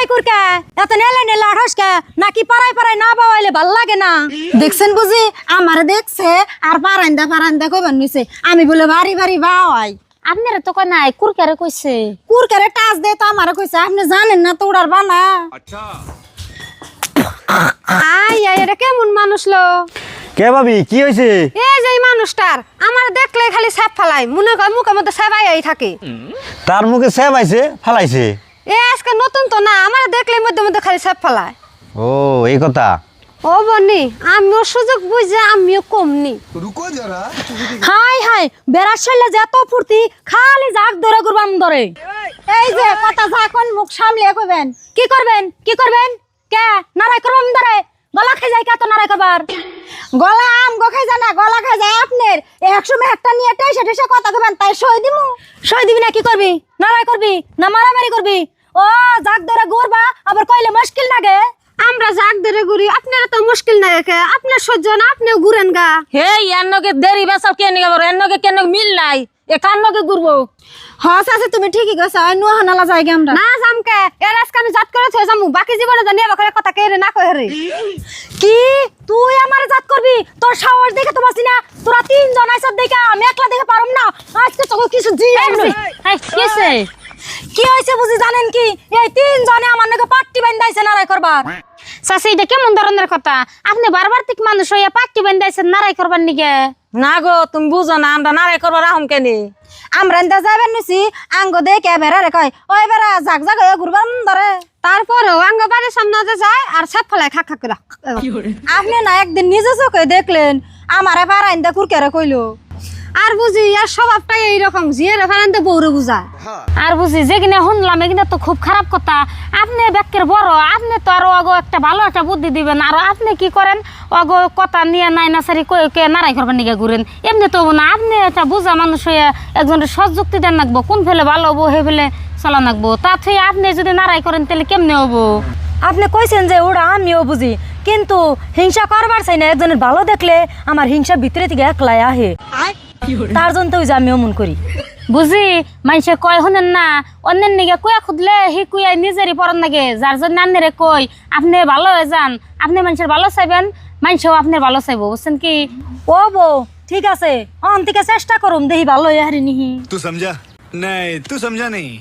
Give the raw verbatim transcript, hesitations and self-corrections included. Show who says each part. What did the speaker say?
Speaker 1: এই কুরকা এত নেলে নেলে আঠসকা নাকি পাড়ায় পাড়ায় না বাওয়াইলে ভাল লাগে না দেখছেন বুঝি আমার দেখছে আর পারান্দা পারান্দা কইবেন নিছে আমি বলে বাড়ি বাড়ি বাওয়াই
Speaker 2: আপনারা তো কয় নাই কুরকারে কইছে
Speaker 1: কুরকারে টাচ দে তো আমারে কইছে আপনি জানেন না তো উড়ার বানা
Speaker 3: আচ্ছা
Speaker 4: আই আই এটা কেমন মানুষ লো
Speaker 5: কে ভাবি কি হয়েছে?
Speaker 4: এই যে এই মানুষটার আমার দেখলে খালি সাপ ফালাই মনে কর মুখের মধ্যে সাবাই আই থাকে
Speaker 5: তার মুখে সেব আইছে ফালাইছে।
Speaker 4: এ আজকে নতুন তো না আমার দেখলে মধ্যে মধ্যে খালি সাপ ফালায়।
Speaker 5: ও এই কথা।
Speaker 4: ও বনি আমিও সুযোগ বুঝে আমিও কমনি।
Speaker 3: रुको जरा
Speaker 1: হাই হাই বেড়ার শৈলে যে এত ফুর্তি খালি জাগ ধরে গুরবাম ধরে এই যে কথা যখন মুখ সামলে কইবেন কি করবেন কি করবেন কে নারাই করবাম ধরে গলা খাই যায় কত নারাই করবার গলা আম গো খাই জানা গলা খাই যায় আপনার একশো মে একটা নিয়ে টেসে টেসে কথা কইবেন তাই সই দিমু সই দিবি না কি করবি নারাই করবি না মারামারি করবি ও জাগ ধরে ঘুরবা আবার কইলে মুশকিল লাগে
Speaker 4: আমরা জাগ ধরে ঘুরি আপনারা তো মুশকিল না রেখে আপনার সহ্য না আপনিও ঘুরেন গা
Speaker 2: হে এনকে দেরি বেসাল কেন গেল এনকে কেন মিল নাই এ কান্নকে ঘুরবো
Speaker 1: হস আছে তুমি ঠিকই কইছো আই নুয়া হানালা যাই আমরা
Speaker 4: না জামকে এর আজকে আমি জাত করে থই যামু বাকি জীবনে জানি এবারে কথা কেরে না কই রে
Speaker 1: কি তুই আমারে জাত করবি তোর সাহস দেখে তো বাসি না তোরা তিন জন আইছ দেখে আমি একলা দেখে পারুম না আজকে তো কিছু জি
Speaker 2: এই কিছে
Speaker 1: কি হইছে বুঝি জানেন কি এই তিন জনে আমার নাকি পাট্টি বান্ধাইছে নারাই করবার
Speaker 2: চাচি এটা কেমন ধরনের কথা আপনি বারবার ঠিক মানুষ হইয়া পাট্টি বান্ধাইছেন নারাই করবার নিগে
Speaker 1: না গো তুমি বুঝো না আমরা নারাই করবার আহম কেনে আমরা এনতা যাবেন নিছি আঙ্গ দেখে বেড়া রে কয় ওই বেড়া জাগ জাগ হয়ে ঘুরবার ধরে
Speaker 4: তারপরেও আঙ্গ বাড়ির সামনে যে যায় আর সাপ ফলায় খাক খাক করে
Speaker 1: আপনি না একদিন নিজে চোখে দেখলেন আমারে পারাইন্দা কুরকারে কইলো
Speaker 4: আর বুঝি আর স্বভাবটাই এইরকম জিয়ে রেফারেন্টে বউরে বুঝায়
Speaker 2: আর বুঝি যে কিনা শুনলাম এখানে তো খুব খারাপ কথা আপনি ব্যাকের বড় আপনি তো আরো আগো একটা ভালো একটা বুদ্ধি দিবেন আর আপনি কি করেন আগো কথা নিয়ে নাই না সারি কয়ে কে নারাই করবেন নিকে ঘুরেন এমনি তো না আপনি একটা বুঝা মানুষ হয়ে একজনের সযুক্তি দেন রাখবো কোন ফেলে ভালো হবো হে ফেলে চলা রাখবো তা থেকে আপনি যদি নারাই করেন তাহলে কেমনে হবো
Speaker 1: আপনি কইছেন যে ওরা আমিও বুঝি কিন্তু হিংসা করবার চাই না একজনের ভালো দেখলে আমার হিংসা ভিতরে থেকে একলাই আহে তার জন্য তো যে আমিও মন করি
Speaker 2: বুঝি মানুষে কয় শুনেন না অন্যের নিগে কুয়া খুদলে হি কুয়াই নিজেরই পরন লাগে যার জন্য আন্নেরে কই আপনি ভালো হয়ে যান আপনি মানুষের ভালো চাইবেন মানুষও আপনার ভালো চাইবো বুঝছেন কি
Speaker 1: ও বউ ঠিক আছে অন্তিকে চেষ্টা করুম দেখি ভালো হয়ে হারি নিহি
Speaker 3: तू समझा नहीं तू समझा नहीं